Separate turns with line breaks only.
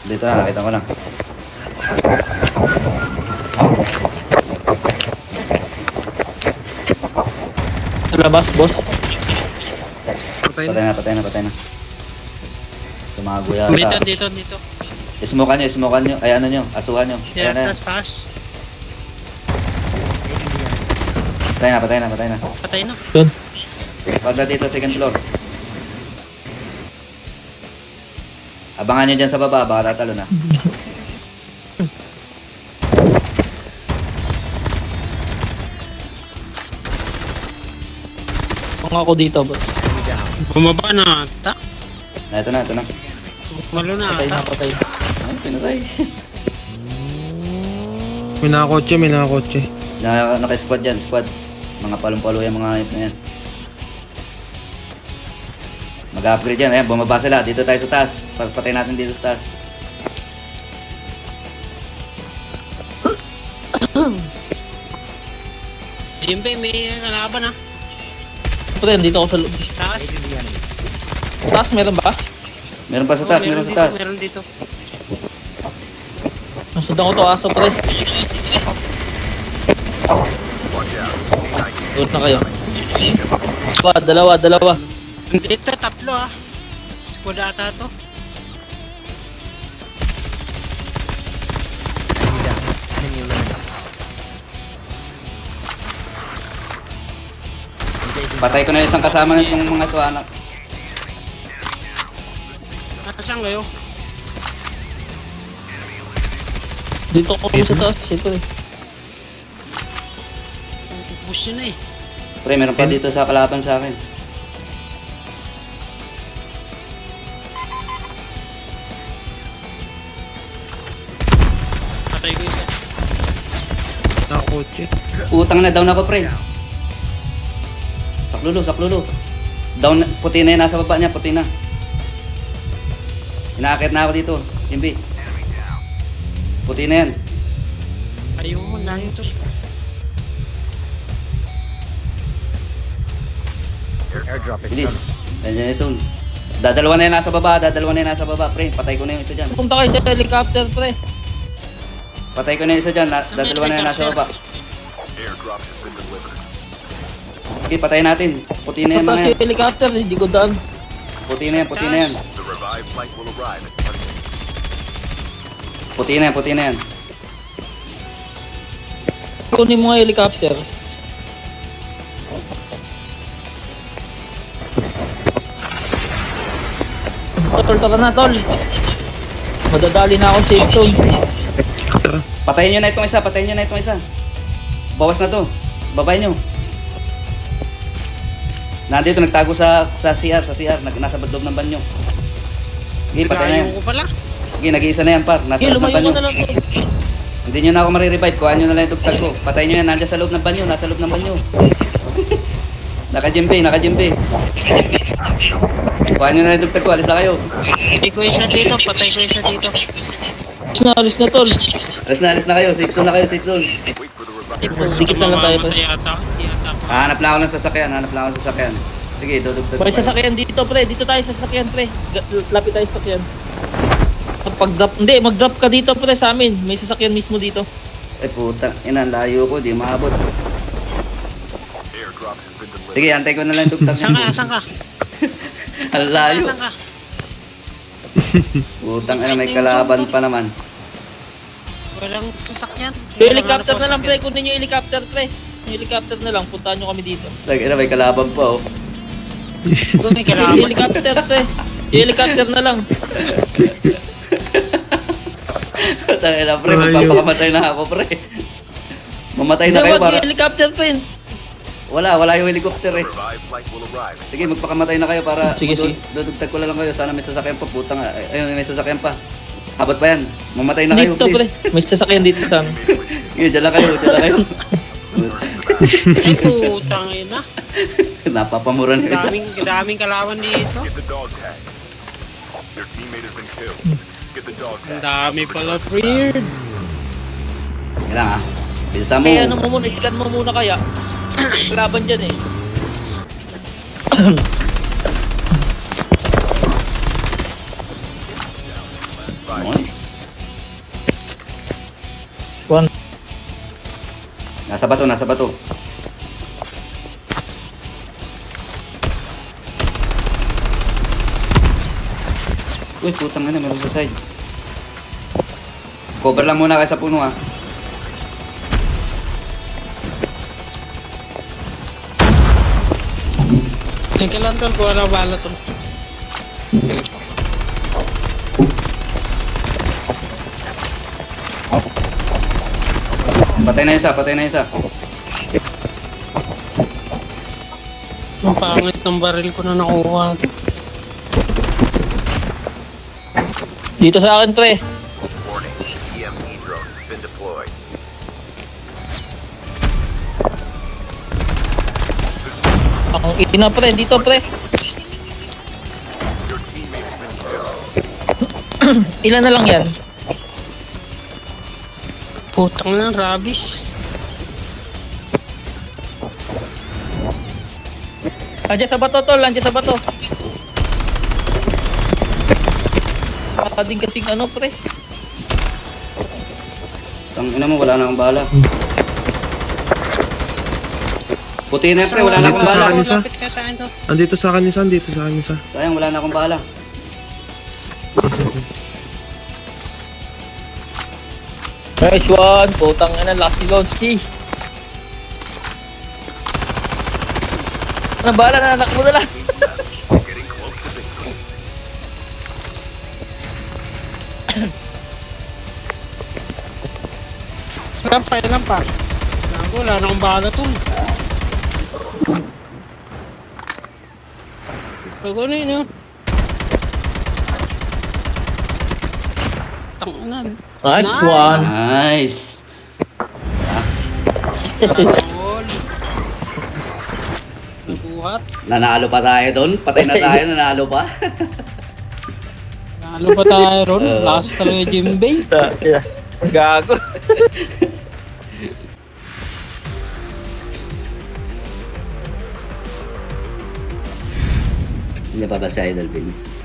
Dito na, nakita ko na.
Sa labas, boss.
Patay
Patay
na.
na, patay na, patay na. Tumago yata.
Dito.
Smokean nyo. Ay, ano nyo, asuhan nyo.
Yeah,
Ayan na.
taas.
Patay na.
Patay na.
Yun.
Wag na dito, second floor. Abangan nyo dyan sa baba, baka tatalo na.
Kung ako dito, boss.
Bumaba na ata.
Ito na.
Malo na
Patay na,
ata.
patay.
Ay, pinatay.
May nakakotse.
Naka-squad dyan, squad. Mga palong-palo yung mga hype na yan. Mag-upgrade yan. Ayan, bumaba sila. Dito tayo sa taas. Patay natin dito sa taas.
Jimbe, may kalaban ah.
Pre, dito ako sa loob.
Taas.
Taas, meron ba?
Meron pa sa taas, meron sa taas.
Meron dito.
Nasundan ko to aso, pre. Good na kayo. Dalawa.
Dito, tatlo ah. Squad ata to.
Patay ko na isang kasama ng mga to, anak.
Saan kayo?
Dito ako sa taas, siyempre.
Push yun na eh.
Pre, meron pa dito sa kalaban sa akin.
Patay ko isa.
Nakakotse.
Utang na, down ako, pre. Saklolo. Down, puti na yan, nasa baba niya, puti na. Inaakit na ako dito, Jimby. Puti na yan.
Ayun, layo to.
Bilis. Nandiyan yung zone. Dadalawa na yan nasa baba, pre. Patay ko na yung isa dyan.
Punta kayo sa helicopter, pre.
Patay ko na yung isa dyan, dadalawa na yan nasa baba. Okay, patayin natin. Puti na yan
Punta
mga
sa
yan.
helicopter, hindi ko daan.
Puti na yan. Puti na yan.
Kunin mo nga helicopter. Tol, tara na, tol. Madadali na akong safe zone.
Patayin nyo na itong isa. Bawas na to. Babay nyo. Nandito, nagtago sa CR. Nasa loob ng banyo. Okay, patay na yan.
Layo ko pala.
Okay, nag-iisa na yan, par. Nasa
Okay,
loob ng
lumayo
banyo.
mo na lang, tol.
Hindi nyo na ako marirevive. Kuhaan nyo na lang yung tugtag ko. Patayin nyo yan. Nandiyan sa loob ng banyo. Naka-jembe. Kuhaan nyo na lang yung tugtag ko. Alis na kayo.
Patay ko isa dito.
Alis na, tol.
Alis na kayo. Safe zone na kayo.
Dikit na lang tayo, pre.
Mamamatay ata. Di ata.
Hanap lang ako ng sasakyan. Sige, dudugtag
May
ko.
sasakyan dito, pre. Dito tayo sa sasakyan, pre. Lapit tayo sa sasakyan. Pag-drop, hindi, mag-drop ka dito, pre, sa amin. May sasakyan mismo dito.
Ay puta, ina, layo ko, di maabot. Sige, antay ko na lang yung tugtag.
Saan ka?
Ang layo.
Saan ka?
Putang ina, may kalaban pa naman.
Walang sasakyan.
Yung helicopter na lang, pre. Kunin yung helicopter, pre. Yung helicopter na lang. Puntahan nyo kami dito.
Ina, may kalaban pa, oh.
Doon may
Yung
kalaban.
helicopter, pre. Yung helicopter na lang.
Putang ina, pre, magpapakamatay na ako, pre. Mamatay na kayo
Dawag
para...
yung helicopter, pre.
Wala yung helicopter eh. Sige, magpakamatay na kayo para...
Sige.
Dudugtag ko lang kayo, sana may sasakyan pa, putang. Ayun, may sasakyan pa. Abot pa yan. Mamatay na kayo,
Dito, pre.
please.
May sasakyan dito sa amin.
Sige, dyan lang kayo.
Ay, putang ina.
Napapamura na yun.
Daming kalaban dito. Ang dami pala, weird.
Kailangan ah. Bilisan mo.
Kaya ano mo muna, iskan mo muna kaya. Laban dyan eh.
Nice.
One.
Nasa bato, nasa bato. Uy, putang ina, meron sa side. Cover lang muna kayo sa puno ah.
Teka lang tol, kung wala bala tol.
Patay na isa, patay na isa.
Ang pangit ng baril ko na nakuha.
Dito sa akin, pre.
Warning, EMP drone has been deployed.
Ang ina, pre. Dito, pre.
Your teammate has been killed.
Ilan na lang yan?
Putang na, rabis.
Andiyan sa bato, tol. Andiyan sa bato. Din kasing ano, pre.
Tang ina mo, wala na akong bala. Puti na pre, wala na akong bala.
Isa.
Lapit ka sa akin tol.
Andito sa akin isa, andito sa akin isa.
Sayang, wala na akong bala.
Nice one. Putang ina, last ni Lonsky. Ano bala na anak mo na lang.
Getting close to victory.
Ilan pa. Nago, wala na akong bala tol. Nago na yun yun. Tangan.
Nice
Nice.
one.
Nice.
Tol. Nabuhat.
Nanalo pa tayo doon. Patay na tayo, nanalo pa.
Nalo pa tayo ron. Last talaga Jimbei.
Yeah. Gago.
Hindi pa ba si Idol Bin?